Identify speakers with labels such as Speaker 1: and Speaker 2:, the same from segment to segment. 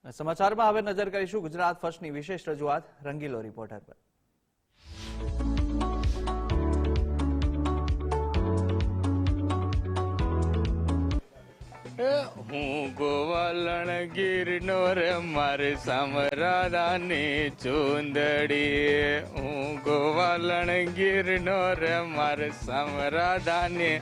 Speaker 1: સમાચારમાં હવે નજર કરીશું ગુજરાત ફર્સ્ટની વિશેષ રજૂઆત રંગીલો રિપોર્ટર પર.
Speaker 2: હું ગોવાલણ ગીરનો રે મારી સમરાદાની ચુંદડી, હું ગોવાલણ ગીરનો રે મારી સમરાદાની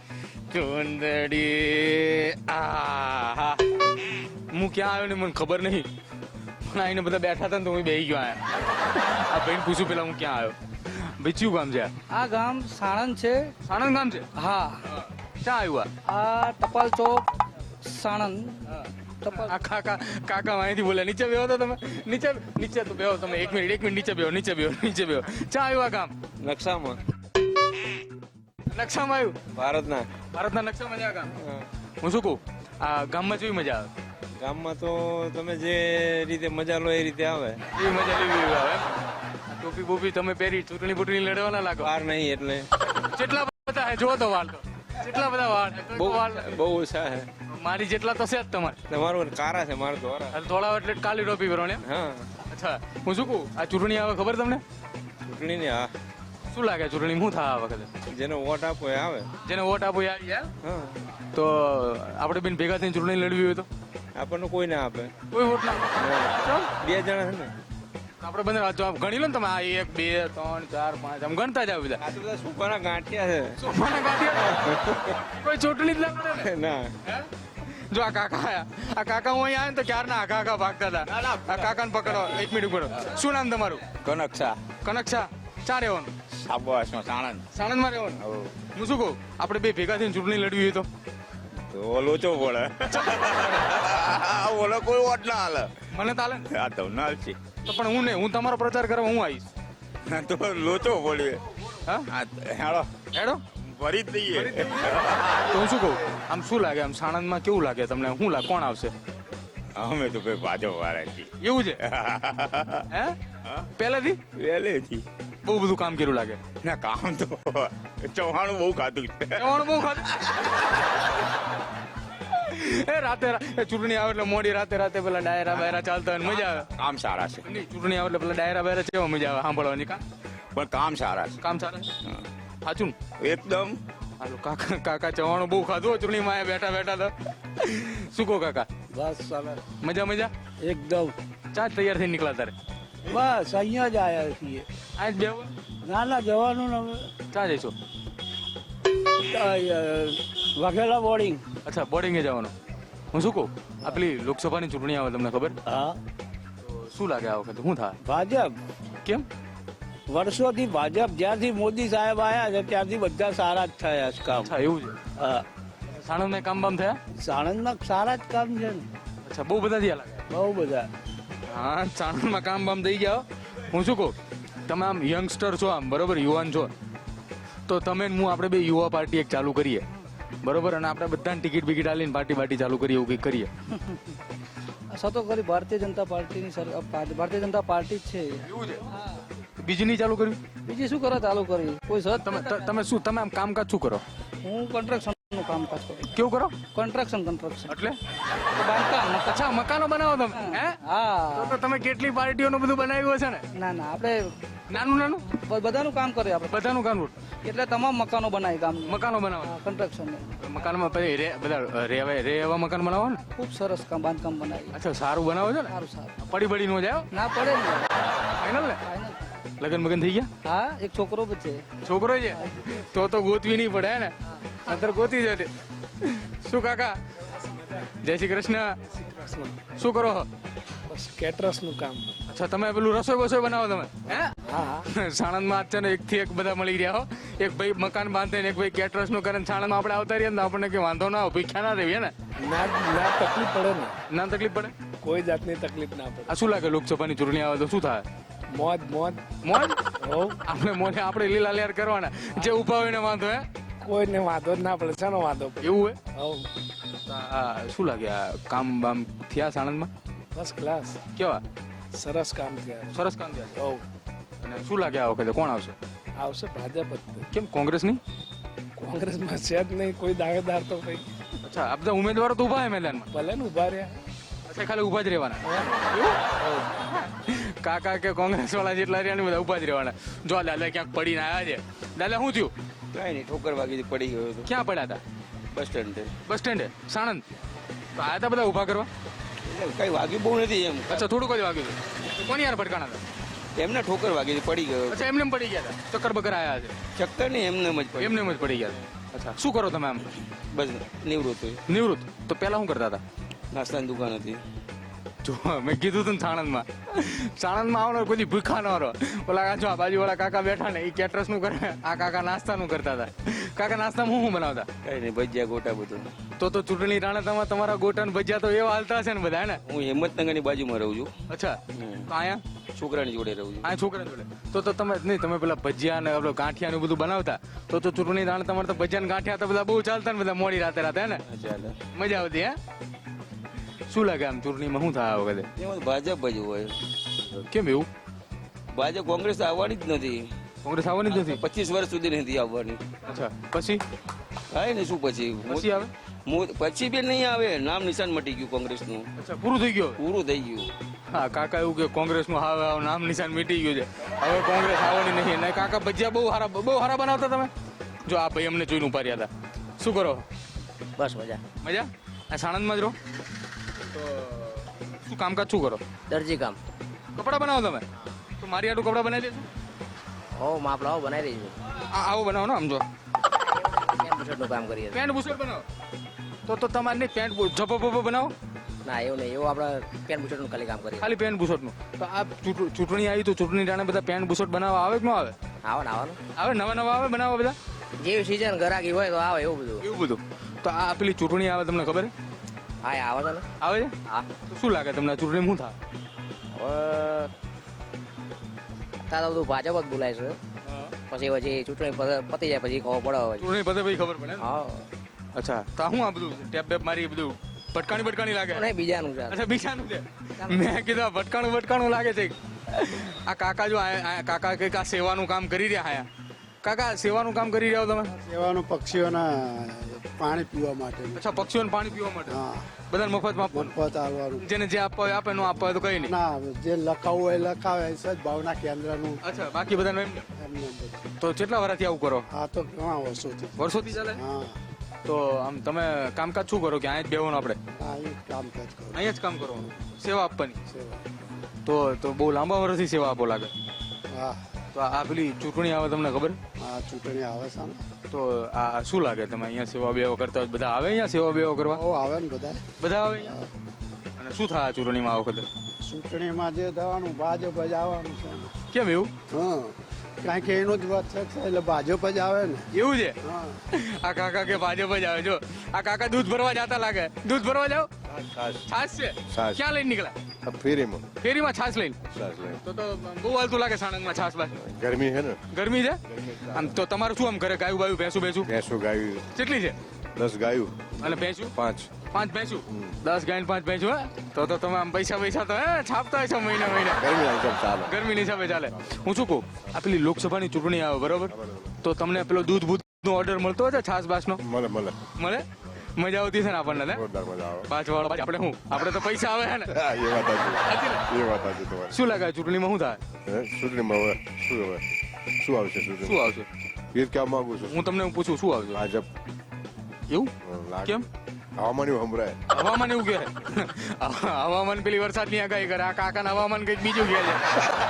Speaker 2: ચુંદડી. આ હું ક્યાં આવ્યો ને મને ખબર નહીં, પણ આઈને બધા બેઠા હતા ને તો હું બેસી ગયો. આ ભાઈને પૂછું પેલા હું ક્યાં આવ્યો. ભાઈ કયું ગામ છે?
Speaker 3: આ ગામ સાણંદ છે.
Speaker 2: સાણંદ ગામ છે?
Speaker 3: હા.
Speaker 2: ક્યાં આવ્યું?
Speaker 3: આ ટપાલ ચોક સાણંદ.
Speaker 2: આ કાકા અહીંથી બોલે નીચે બેહો તો તમે, નીચે તો બેહો તમે. એક મિનિટ નીચે બેહો. ક્યાં આવ્યું આ ગામ?
Speaker 4: નકશામાં.
Speaker 2: નકશામાં આવ્યું?
Speaker 4: ભારતના
Speaker 2: નકશામાં છે આ ગામ. હું શું કહું, આ ગામમાં કેવી મજા આવે?
Speaker 4: ગામમાં તો તમે જે રીતે મજા લો એ રીતે આવે.
Speaker 2: એવી મજા લેવી આવે. ટોપી બોપી તમે પહેરી ચૂંટણી લડવાના લાગો.
Speaker 4: વાર નહીં એટલે
Speaker 2: કેટલા બધા હે જો તો વાળ તો કેટલા બધા વાળ.
Speaker 4: બહુ ઓછા છે.
Speaker 2: મારી જેટલા તો છે જ તમારે.
Speaker 4: તમારું કારા છે, મારું ધોરા.
Speaker 2: થોડા એટલે કાલી ટોપી પહેરવાની.
Speaker 4: હા.
Speaker 2: અચ્છા, હું શું કહું, આ ચૂંટણી આવે ખબર તમને?
Speaker 4: ચૂંટણી ને હા.
Speaker 2: શું લાગે ચૂંટણી શું થાય આ વખતે?
Speaker 4: જેને વોટ આપો એ આવે.
Speaker 2: જેને વોટ આપો એ આવી જાય.
Speaker 4: હા.
Speaker 2: તો આપણે બેન ભેગા થઈને ચૂંટણી લડવી હોય તો
Speaker 4: આપણને કોઈ ના આપે.
Speaker 2: કોઈ વોટ ના.
Speaker 4: બે જણા છે ને
Speaker 2: આપણે બંને ગણી લો ને તમે. આ 1 2 3 4 5 આમ ગણતા જાવ બધા.
Speaker 4: આ તો બધા સુપાના ગાંઠિયા છે.
Speaker 2: સોફાના ગાંઠિયા. કોઈ ચૂંટણી જ ના કરે ને.
Speaker 4: ના.
Speaker 2: જો આ કાકા આયા, આ કાકા હું અહીંયા આવ્યો ને તો ક્યારના આ કાકા ભાગતા હતા. આ કાકાને પકડો. એક મિનિટ ઉભો રહો. શું નામ તમારું?
Speaker 4: કનકશા.
Speaker 2: કનકશા. ક્યાં રહેવાનું?
Speaker 4: સાબવાસમાં સાણંદ.
Speaker 2: સાણંદમાં રહેવાનું. હું શું કહું, આપણે બે ભેગા થઈને ચૂંટણી લડવી હોય તો
Speaker 4: લોચો પડે. ઓલો કોઈ વોટ ના હાલે.
Speaker 2: મને ચાલે ને?
Speaker 4: આ તો ના છે
Speaker 2: તો પણ હું નહીં, હું તમારો પ્રચાર કરવા હું આવીશ.
Speaker 4: તો લોચો પડે.
Speaker 2: હા
Speaker 4: હેડો
Speaker 2: હેડો
Speaker 4: ભરી જ દઈએ.
Speaker 2: તો હું શું કહું, આમ શું લાગે, આમ સાણંદમાં કેવું લાગે તમને? શું લાગે, કોણ આવશે?
Speaker 4: અમે તો ભાઈ ભાજપ વાળા છીએ.
Speaker 2: એવું છે? હે પહેલેથી
Speaker 4: પહેલેથી
Speaker 2: બહુ બધું કામ કર્યું લાગે.
Speaker 4: ના કામ તો ચૌહાણું બહુ ખાધું છે.
Speaker 2: જવાનું બહુ ખાતું. એ રાતે ચૂંટણી આવે એટલે મોડી રાતે પેલા ડાયરા બાયરા ચાલતા હોય મજા આવે.
Speaker 4: કામ સારા છે.
Speaker 2: નહીં, ચૂંટણી આવે એટલે પેલા ડાયરા બાયરા કેવા મજા આવે સાંભળવાની.
Speaker 4: પણ કામ સારા છે.
Speaker 2: કામ સારા છે. સાચું ને?
Speaker 4: એકદમ.
Speaker 2: હાલો કાકા ચવાણું બહુ ખાધું ચૂંટણીમાં આયા બેઠા તો. શું કહો કાકા?
Speaker 3: બસ ચાલે
Speaker 2: મજા
Speaker 3: એકદમ.
Speaker 2: ચા તૈયાર થઈ નીકળ્યા તારે?
Speaker 3: બસ અહીંયા જ આવ્યા છીએ.
Speaker 2: આ જ બેહો.
Speaker 3: ના જવાનું ને હવે.
Speaker 2: ચા જઈશું?
Speaker 3: વાઘેલા બોર્ડિંગ.
Speaker 2: અચ્છા, બોર્ડિંગે જવાનું. હું શું કહું, આ પેલી લોકસભાની ચૂંટણી આવે તમને ખબર?
Speaker 3: હા.
Speaker 2: તો શું લાગે આ વખતે શું થાય?
Speaker 3: ભાજપ.
Speaker 2: કેમ?
Speaker 3: વર્ષોથી ભાજપ, જ્યારથી મોદી સાહેબ આવ્યા છે ત્યારથી બધા સારા જ થયા છે કામ.
Speaker 2: અચ્છા, એવું છે.
Speaker 3: હા.
Speaker 2: સાણંદમાં કામ બામ થયા?
Speaker 3: સાણંદમાં સારા જ કામ છે ને.
Speaker 2: અચ્છા, બહુ બધા થયા લાગે.
Speaker 3: બહુ બધા.
Speaker 2: હા, સાણંદમાં કામ બામ થઈ ગયા. હું શું કહું, તમે આમ યંગસ્ટર છો, આમ બરોબર યુવાન છો, તો તમે હું આપણે બે યુવા પાર્ટી એક ચાલુ કરીએ, બરોબર? અને આપણે બધાને ટિકિટ બિકિટ આલીને પાર્ટી ચાલુ કરીએ, એવું કંઈક કરીએ.
Speaker 3: સતો કરી ભારતીય જનતા પાર્ટીની ભારતીય જનતા પાર્ટી જ છે.
Speaker 2: એવું છે? બીજી નહીં ચાલુ કરવી?
Speaker 3: બીજી શું કરો ચાલુ કરી? કોઈ સર
Speaker 2: તમે આમ કામકાજ શું કરો?
Speaker 3: હું કન્સ્ટ્રક્શનનું કામકાજ કરું.
Speaker 2: કેવું કરો?
Speaker 3: કન્સ્ટ્રક્શન
Speaker 2: એટલે
Speaker 3: બાંધકામ.
Speaker 2: અચ્છા, મકાનો બનાવો તમે? હે?
Speaker 3: હા.
Speaker 2: તો તમે કેટલી પાર્ટીઓનું બધું બનાવ્યું હશે ને?
Speaker 3: ના આપણે
Speaker 2: નાનું
Speaker 3: બધાનું કામ કરીએ આપણે.
Speaker 2: બધાનું કામ.
Speaker 3: એટલે તમામ મકાનો બનાવી ગામનું.
Speaker 2: મકાનો બનાવો?
Speaker 3: કન્સ્ટ્રક્શન.
Speaker 2: મકાનમાં પછી બધા રહેવા મકાન બનાવો ને?
Speaker 3: ખૂબ સરસ કામ બાંધકામ બનાવી.
Speaker 2: અચ્છા, સારું બનાવો છો ને?
Speaker 3: સારું.
Speaker 2: પડી નો જાય?
Speaker 3: ના પડે ને.
Speaker 2: ફાઇનલ ને? લગન મગન થઈ ગયા?
Speaker 3: હા, એક છોકરો બી છે.
Speaker 2: છોકરો છે? તો ગોતવી નહીં પડે ને? અંદર ગોતી જશે. શું કાકા, જય શ્રી કૃષ્ણ. શું કરો?
Speaker 3: બસ કેટરસ નું કામ.
Speaker 2: અચ્છા, તમે પેલું રસોઈ બનાવો તમે? હે?
Speaker 3: હા.
Speaker 2: સાણંદમાં છે ને એક થી એક બધા મળી રહ્યા હો. એક ભાઈ મકાન બાંધે ને એક ભાઈ કેટરસ નું કરે. સાણંદમાં આપણે આવતા રહીએ ને આપણને કઈ વાંધો ના આવે, ભીખ્યા ના રહીએ ને?
Speaker 3: ના તકલીફ પડે ને.
Speaker 2: ના તકલીફ પડે?
Speaker 3: કોઈ જાતની તકલીફ ના પડે.
Speaker 2: આ શું લાગે, લોકસભાની ચૂંટણી આવે તો શું થાય?
Speaker 3: મોજ
Speaker 2: આપણે લીલા લેર કરવાના, જે ઉભા હોય ને વાંધો. હે?
Speaker 3: કોઈને વાંધો જ ના પડે. શાનો વાંધો?
Speaker 2: એવું હે? શું લાગે, આ કામ બામ થયા સાણંદમાં?
Speaker 3: First class.
Speaker 2: કેવા
Speaker 3: સરસ કામ થયા.
Speaker 2: સરસ કામ થયા. અને શું લાગે આ વખતે કોણ આવશે?
Speaker 3: આવશે ભાજપ જ.
Speaker 2: કેમ કોંગ્રેસ નહીં?
Speaker 3: કોંગ્રેસમાં છે જ નહીં કોઈ દાવેદાર તો ભાઈ.
Speaker 2: અચ્છા, આ બધા ઉમેદવારો તો ઉભા હે મેદાનમાં?
Speaker 3: ભલે ને ઉભા રહ્યા.
Speaker 2: અચ્છા ખાલી ઉભા જ રહેવાના કાકા કે કોંગ્રેસ વાળા જેટલા રહ્યા ને બધા ઉભા જ રહેવાના. જો દાદા ક્યાંક પડીને આવ્યા છે. દાદા શું થયું?
Speaker 3: કઈ નહીં, ઠોકર વાગી પડી ગયો હતો
Speaker 2: ક્યાં પડ્યા હતા?
Speaker 3: Bus stand.
Speaker 2: બસ સ્ટેન્ડે સાણંદ. તો આયા હતા બધા ઉભા કરવા?
Speaker 3: કઈ વાગ્યું બહુ નથી એમ.
Speaker 2: અચ્છા થોડુંક જ વાગ્યું હતું. તો કોની યાર ભટકાણા હતા?
Speaker 3: એમને ઠોકર વાગી પડી ગયો.
Speaker 2: અચ્છા એમને પડી ગયા હતા. ચક્કર બકર આયા છે?
Speaker 3: ચક્કર નહીં, એમને જ પડી.
Speaker 2: એમને જ પડી ગયા હતા. અચ્છા શું કરો તમે આમ?
Speaker 3: બસ નિવૃત્ત હોય.
Speaker 2: નિવૃત્ત. તો પહેલા શું કરતા હતા?
Speaker 3: નાસ્તાની દુકાન હતી.
Speaker 2: જો મેં કીધું હતું ને સાણંદમાં આવવાનો કોઈ ભૂખા ન રહો. ઓલા જો આ બાજુવાળા કાકા બેઠા ને એ કેટરસ નું કરે, આ કાકા નાસ્તાનું કરતા હતા. કાકા નાસ્તામાં શું બનાવતા?
Speaker 3: કઈ નહીં, ભજીયા ગોટા બધું.
Speaker 2: તો ચૂંટણી રાણા તમારા ગોટા ને ભજીયા તો એવા હાલતા હશે ને બધા હે ને?
Speaker 3: હું હિંમતનગરની બાજુમાં રહું છું.
Speaker 2: અચ્છા તો અહીંયા
Speaker 3: છોકરાની જોડે રહું છું.
Speaker 2: આ છોકરા જોડે. તો તમે નહીં, તમે પેલા ભજીયા ને ગાંઠિયા ને બધું બનાવતા તો ચૂંટણી રાણા તમારે તો ભજીયા ને ગાંઠિયા તો બધા બહુ ચાલતા ને બધા મોડી રાતે હે ને?
Speaker 3: ચાલે.
Speaker 2: મજા આવતી હે? શું લાગે આમ ચૂંટણીમાં શું થાય આ વખતે?
Speaker 3: એમાં ભાજપ જ હોય.
Speaker 2: કેમ એવું?
Speaker 3: ભાજપ કોંગ્રેસ આવવાની જ નથી.
Speaker 2: કોંગ્રેસ આવવાની જ નથી?
Speaker 3: 25 વર્ષ સુધી નથી આવવાની.
Speaker 2: અચ્છા પછી
Speaker 3: હા ને શું પછી
Speaker 2: આવે?
Speaker 3: પછી બી નહીં આવે. નામ નિશાન મટી ગયું કોંગ્રેસનું.
Speaker 2: અચ્છા પૂરું થઈ ગયું?
Speaker 3: પૂરું થઈ ગયું.
Speaker 2: હા કાકા એવું કે કોંગ્રેસ નું હવે નામ નિશાન મીટી ગયું છે, હવે કોંગ્રેસ આવવાની નહીં. ને કાકા ભજીયા બહુ સારા બનાવતા તમે. જો આ ભાઈ અમને જોઈને ઉભા રહ્યા હતા. શું કરો?
Speaker 5: બસ મજા.
Speaker 2: મજા? આ સાણંદમાં જ રહો? તો શું કામકાજ શું કરો?
Speaker 5: દરજી કામ.
Speaker 2: કપડા બનાવો તમે? તો મારી આટલું કપડા બનાવી દેજો.
Speaker 5: હો માપ લાવો, બનાવી દઈશું.
Speaker 2: આવો બનાવો ને આમ જો
Speaker 5: પેન્ટ બુશર્ટનું કામ કરીએ છીએ.
Speaker 2: પેન્ટ બુશર્ટ બનાવો. તો તમારે નહીં પેન્ટ ઝપો બનાવો?
Speaker 5: ના એવું નહીં, એવું આપણે પેન્ટ બુશર્ટનું ખાલી કામ કરીએ.
Speaker 2: ખાલી પેન્ટ બુશર્ટનું. તો આ ચૂંટણી આવી તો ચૂંટણી જાણે બધા પેન્ટ બુશર્ટ બનાવવા આવે કે ન આવે?
Speaker 5: આવવાનું
Speaker 2: આવે, નવા આવે બનાવવા બધા?
Speaker 5: જેવી સિઝન ગરાકી હોય તો આવે એવું બધું.
Speaker 2: એવું બધું. તો આ પેલી ચૂંટણી આવે તમને ખબર?
Speaker 5: હા આવે તો ને.
Speaker 2: આવે છે?
Speaker 5: હા.
Speaker 2: તો શું લાગે તમને ચૂંટણી શું થાય?
Speaker 5: હવે તારા બધું ભાજપ જ બોલાય છે. પછી ચૂંટણી પતી જાય પછી ખબર પડે હવે.
Speaker 2: ચૂંટણી પતે પછી ખબર પડે ને?
Speaker 5: હા.
Speaker 2: અચ્છા તો શું આ બધું ટેપ બેપ મારી બધું ભટકાણી લાગે?
Speaker 5: નહીં બીજાનું છે.
Speaker 2: અચ્છા બીજાનું છે. મેં કીધું આ ભટકાણું લાગે છે. આ કાકા જો કાકા કંઈક આ સેવાનું કામ કરી રહ્યા આયા. કાકા સેવાનું કામ કરી રહ્યા હો તમે?
Speaker 6: સેવાનું પક્ષીઓના પાણી પીવા માટે.
Speaker 2: અચ્છા પક્ષીઓને પાણી પીવા માટે?
Speaker 6: હા.
Speaker 2: બધાને મફતમાં આપવાનું?
Speaker 6: મફત આવવાનું.
Speaker 2: જેને જે આપવા હોય આપે, ન આપવા હોય તો કઈ નહીં?
Speaker 6: ના, જે લખાવવું હોય લખાવે. સદભાવના કેન્દ્રનું
Speaker 2: અચ્છા બાકી બધાને એમ?
Speaker 6: એમને બધું.
Speaker 2: તો કેટલા વર્ષથી આવું કરો?
Speaker 6: આ તો ઘણા વર્ષોથી.
Speaker 2: વર્ષોથી ચાલે?
Speaker 6: હા.
Speaker 2: તો આમ તમે કામકાજ શું કરો કે અહીંયા જ બેવાનું આપણે?
Speaker 6: હા, એ કામકાજ કરું.
Speaker 2: અહીંયા જ કામ કરવાનું, સેવા આપવાની?
Speaker 6: સેવા.
Speaker 2: તો બહુ લાંબા વર્ષથી સેવા આપો લાગે.
Speaker 6: હા.
Speaker 2: તો આ પેલી ચૂંટણી આવે તમને ખબર?
Speaker 6: આ ચૂંટણી આવે છે ને.
Speaker 2: તો આ શું લાગે તમે અહીંયા સેવા બેવા કરતા હોય બધા આવે અહીંયા સેવા બેવા કરવા?
Speaker 6: બહુ આવે ને બધા.
Speaker 2: બધા આવે અહીંયા? અને શું થાય આ ચૂંટણીમાં આ વખતે?
Speaker 6: ચૂંટણીમાં જે થવાનું ભાજપ જ આવવાનું છે.
Speaker 2: કેમ એવું?
Speaker 6: હા, કારણ કે એનું જ વાત છે એટલે ભાજપ જ આવે ને.
Speaker 2: એવું છે?
Speaker 6: હા.
Speaker 2: આ કાકા કે ભાજપ જ આવે. જો આ કાકા દૂધ ભરવા જતા લાગે. દૂધ ભરવા જાવ? છાશ છે? ક્યાં લઈને નીકળ્યા? ફેરીમાં છાશ લઈને? તો બહુ હાલતું લાગે સાણંદમાં છાશ બાશ.
Speaker 7: ગરમી છે ને?
Speaker 2: ગરમી છે આમ. તો તમારું શું આમ ઘરે ગાયું બાયું ભેંસું
Speaker 7: ભેંસો ગાયું
Speaker 2: કેટલી છે?
Speaker 7: 10 ગાયું
Speaker 2: અને ભેંસું?
Speaker 7: 5
Speaker 2: ભેંસું? 10 ગાય 5 ભેંસું? હે તો તમે આમ પૈસા તો હે છાપતા હશો મહિના
Speaker 7: ગરમી આઈટમ ચાલે.
Speaker 2: ગરમી હિસાબે ચાલે. હું શું કહું, આ પેલી લોકસભાની ચૂંટણી આવે બરોબર, તો તમને પેલો દૂધ બૂધ નો ઓર્ડર મળતો હોય છે છાસ બાસ નો?
Speaker 7: મળે
Speaker 2: મળે? મજા આવતી છે ને આપણને?
Speaker 7: જોરદાર મજા આવે.
Speaker 2: પાછળ આપણે શું, આપણે તો પૈસા આવે છે ને?
Speaker 7: હા, એ વાત સાચી તમારી.
Speaker 2: શું લાગે ચૂંટણીમાં શું થાય?
Speaker 7: ચૂંટણીમાં હવે શું આવશે?
Speaker 2: શું આવશે
Speaker 7: એ કહેવા માંગુ છું.
Speaker 2: હું તમને પૂછું શું આવશે?
Speaker 7: ભાજપ.
Speaker 2: એવું
Speaker 7: લાગે.
Speaker 2: કેમ?
Speaker 7: હવામાન એવું સંભળાય.
Speaker 2: હવામાન એવું કે હવામાન પેલી વરસાદની આગાહી કરે, આ કાકાના હવામાન કઈક બીજું કહે છે.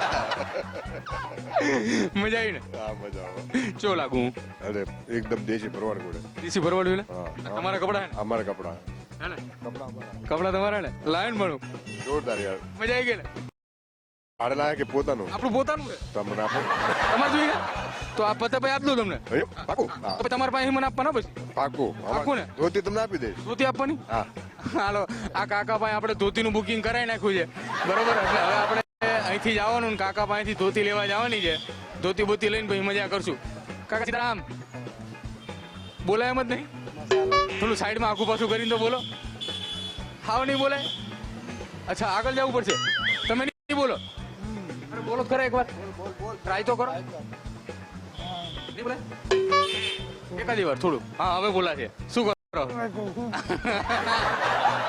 Speaker 2: મજા આવી ને?
Speaker 7: હા, મજા આવે.
Speaker 2: ચો લાગુ હું?
Speaker 7: અરે એકદમ દેશી પરવાર ગોળે.
Speaker 2: દેશી ભરવાડ્યું ને?
Speaker 7: હા.
Speaker 2: તમારા કપડા હે ને?
Speaker 7: અમારા કપડા.
Speaker 2: હે ને? કપડા તમારા ને? લાયન ભણું.
Speaker 7: જોરદાર યાર.
Speaker 2: મજા આવી ગઈ ને?
Speaker 7: ભાડે લાગે કે પોતાનું?
Speaker 2: આપણું પોતાનું છે.
Speaker 7: તમને આપો.
Speaker 2: તમારે જોઈએ તો આ પતે ભાઈ આપી દઉં તમને.
Speaker 7: પાકું.
Speaker 2: તો પછી તમારા પાસે મને આપવાના પછી?
Speaker 7: પાકું.
Speaker 2: પાકું ને?
Speaker 7: ધોતી તમને આપી દઈશ.
Speaker 2: ધોતી આપવાની?
Speaker 7: હા.
Speaker 2: હાલો આ કાકા પાસે આપણે ધોતીનું બુકિંગ કરાવી નાખ્યું છે બરોબર. એટલે હવે આપણે અહીંથી જવાનું ને કાકા પાસેથી ધોતી લેવા જવાની છે. ધોતી બોતી લઈને પછી મજા કરશું. કાકા સીતારામ બોલાય એમ જ નહીં? થોડું સાઈડમાં આખું પાછું કરીને તો બોલો. હાવ નહીં બોલાય? અચ્છા આગળ જવું પડશે. તમે નહીં બોલો? અરે બોલો ખરા એક વાર, ટ્રાય તો કરો. નહીં બોલાય? એકાદી વાર થોડું. હા હવે બોલા છે. શું કરો?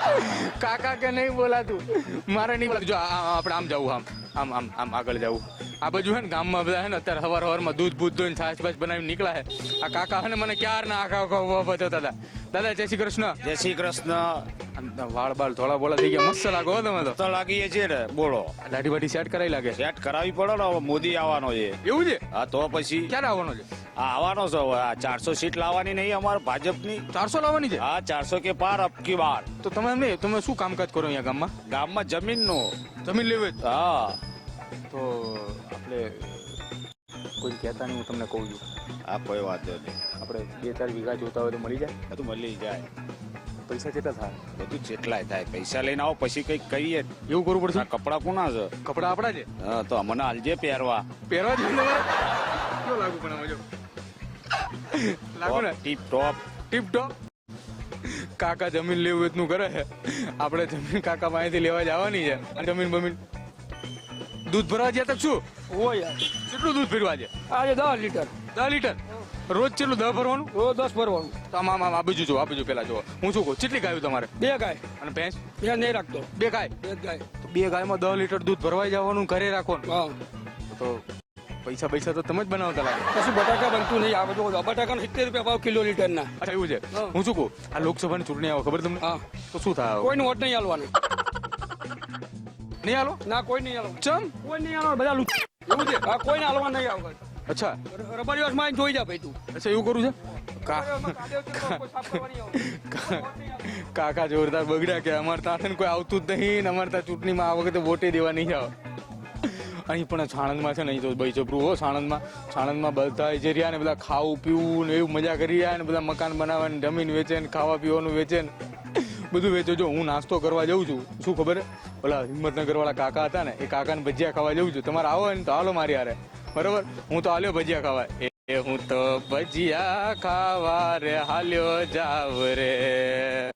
Speaker 2: કાકા કે નહીં બોલાતું મારે નહીં બોલાતું. જો આપણે આમ જવું આમ આમ આમ આમ આગળ જવું. આ બાજુ હે ને ગામમાં બધા હે ને અત્યારે હવારમાં દૂધ બૂધ ધોઈને છાશ છાશ બનાવીને નીકળ્યા હે. આ કાકા હે ને મને ક્યારના આખા બતાવતા હતા. દાદા જય શ્રી કૃષ્ણ.
Speaker 3: જય શ્રી કૃષ્ણ.
Speaker 2: આમ વાળ બાળ થોડા બોલા થઈ ગયા, મસ્ત લાગો હો તમે તો.
Speaker 3: તો લાગીએ છીએ ને, બોલો.
Speaker 2: દાઢી બાઢી સેટ કરાવી લાગે.
Speaker 3: સેટ કરાવી પડે ને, હવે મોદી આવવાનો છે.
Speaker 2: એવું છે?
Speaker 3: હા તો પછી
Speaker 2: ક્યારે આવવાનો છે?
Speaker 3: આ આવવાનો છે હવે. આ 400 સીટ લાવવાની નહીં અમારે ભાજપની.
Speaker 2: 400 લાવવાની છે?
Speaker 3: હા 400 કે પાર અબકી બાર.
Speaker 2: તો તમે એમ નહીં, તમે શું કામકાજ કરો અહીંયા ગામમાં?
Speaker 3: ગામમાં જમીનનું.
Speaker 2: જમીન લેવી છે?
Speaker 3: હા
Speaker 2: તો આપણે કોઈ કહેતા નહીં, હું તમને કહું છું.
Speaker 3: આ કોઈ વાત નહીં.
Speaker 2: આપણે 2-4 વીઘા જોતા હોય તો મળી જાય?
Speaker 3: બધું મળી જાય.
Speaker 2: પૈસા કેટલા થાય?
Speaker 3: બધું જેટલાય થાય. પૈસા લઈને આવો પછી કઈક કરીએ.
Speaker 2: એવું કરવું પડશે?
Speaker 3: આ કપડા કોના છે?
Speaker 2: કપડા આપણા છે?
Speaker 3: હા તો અમને હાલજે પહેરવા.
Speaker 2: પહેરવા જ તમારે કેવું લાગુ? પણ આમાં જો લાગુ ને
Speaker 3: ટીપ ટોપ.
Speaker 2: ટીપ ટોપ. કાકા જમીન લેવું એટલું કરે છે, આપણે જમીન કાકા પાસેથી લેવા જવાની છે. અને જમીન બમીન દૂધ ભરવા ગયા તક શું?
Speaker 3: ઓય
Speaker 2: કેટલું દૂધ ભરવા છે?
Speaker 3: આજે 10 લીટર.
Speaker 2: 10 લીટર રોજ કેટલું? 10 ભરવાનું?
Speaker 3: રોજ 10 ભરવાનું.
Speaker 2: તો આમ આમ આમ આ બાજુ જો, આ બાજુ પેલા જો. હું શું કહું, કેટલી ગાયું તમારે?
Speaker 3: 2 ગાય.
Speaker 2: અને ભેંસ?
Speaker 3: ત્યાં નહીં રાખતો.
Speaker 2: 2 ગાય.
Speaker 3: 2 ગાય.
Speaker 2: તો 2 ગાયમાં 10 લીટર દૂધ ભરવાઈ જવાનું, ઘરે રાખવાનું.
Speaker 3: હા
Speaker 2: તો પૈસા પૈસા તો તમે જ બનાવતા લાગે.
Speaker 3: પછી બટાકા બનતું નહીં. આવે જો બટાકા 70 રૂપિયા ભાવ કિલો લીટરના.
Speaker 2: અચ્છા એવું છે?
Speaker 3: હા.
Speaker 2: હું શું કહું, આ લોકસભાની ચૂંટણી આવે ખબર તમને?
Speaker 3: હા.
Speaker 2: તો શું થાય?
Speaker 3: કોઈનું વોટ નહીં આલવાનું.
Speaker 2: નહીં હાલો?
Speaker 3: ના કોઈ નહીં આલવાનું.
Speaker 2: ચમ?
Speaker 3: કોઈ નહીં આલવાનું. બધા લૂંટ. એવું છે? હા કોઈને આલવાનું નહીં આવવાનું.
Speaker 2: અચ્છા
Speaker 3: રબર દિવસમાં આવીને જોઈ જા ભાઈ તું.
Speaker 2: અચ્છા એવું કરું છે? કાકા જોરદાર બગડ્યા કે અમારે ત્યાં કોઈ આવતું જ નહીં ને અમારે ત્યાં ચૂંટણીમાં આ વખતે વોટે દેવા નહીં આવે. અહીં પણ સાણંદમાં છે ને, અહીં તો ભાઈ જબરું હો. સાણંદમાં બધા જે રહ્યા ને બધા ખાવું પીવું ને એવું મજા કરી રહ્યા ને બધા મકાન બનાવે ને જમીન વેચે ને ખાવા પીવાનું વેચે ને બધું વેચે. જો હું નાસ્તો કરવા જાઉં છું, શું ખબર ઓલા હિંમતનગર વાળા કાકા હતા ને, એ કાકાને ભજીયા ખાવા જાઉં છું. તમારે આવો ને તો હાલો મારી હારે, બરોબર? હું તો હાલ્યો ભજીયા ખાવા. હું તો ભજીયા ખાવા રે હાલ્યો જાવ રે.